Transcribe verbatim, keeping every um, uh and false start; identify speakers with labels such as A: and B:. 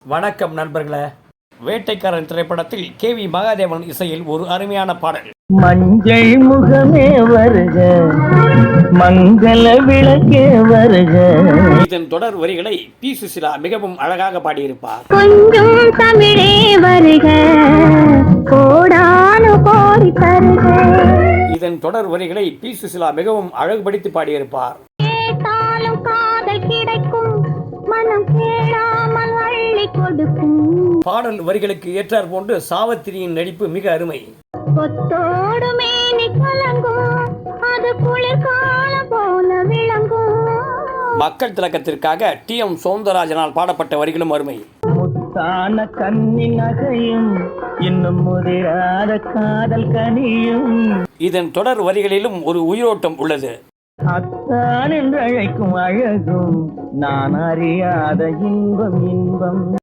A: வணக்கம் நண்பர்களே. வேட்டைக்காரன் திரைப்படத்தில் கே வி மகாதேவன் இசையில் ஒரு அருமையான பாடல்.
B: மஞ்சள் முகமே வருக, மங்கள விளக்கே வருக.
A: இதன் தொடர் வரிகளை பி சுசிலா மிகவும் அழகாக பாடியிருப்பார்.
C: கொஞ்சம் தமிழே வருக, கோடானு கோடி தருக.
A: இதன் தொடர் வரிகளை பி சுசிலா மிகவும் அழகுபடுத்தி பாடியிருப்பார்.
C: கேட்டாலும் காதல் கிடைக்கும், மனம் கேளாமல் அள்ளி கொடுக்கும்.
A: பாடல் வரிகளுக்கு ஏற்றார் போன்று சாவத்திரியின் நடிப்பு மிக அருமை.
C: கொத்தோடு மேனி கலங்கும், அது குளிர்காலம் போல விளங்கும்.
A: மக்கள் திலகத்திற்காக டி எம் சௌந்தரராஜனால் பாடப்பட்ட வரிகளும் அருமை.
B: முத்தான கண்ணி நகையும், இன்னும் முதிராத காதல் கனியும்.
A: இதன் தொடர் வரிகளிலும் ஒரு உயிரோட்டம் உள்ளது.
B: அத்தான் என்று அழைக்கும் அழகும், நான் அறியாத இன்பம் இன்பம்.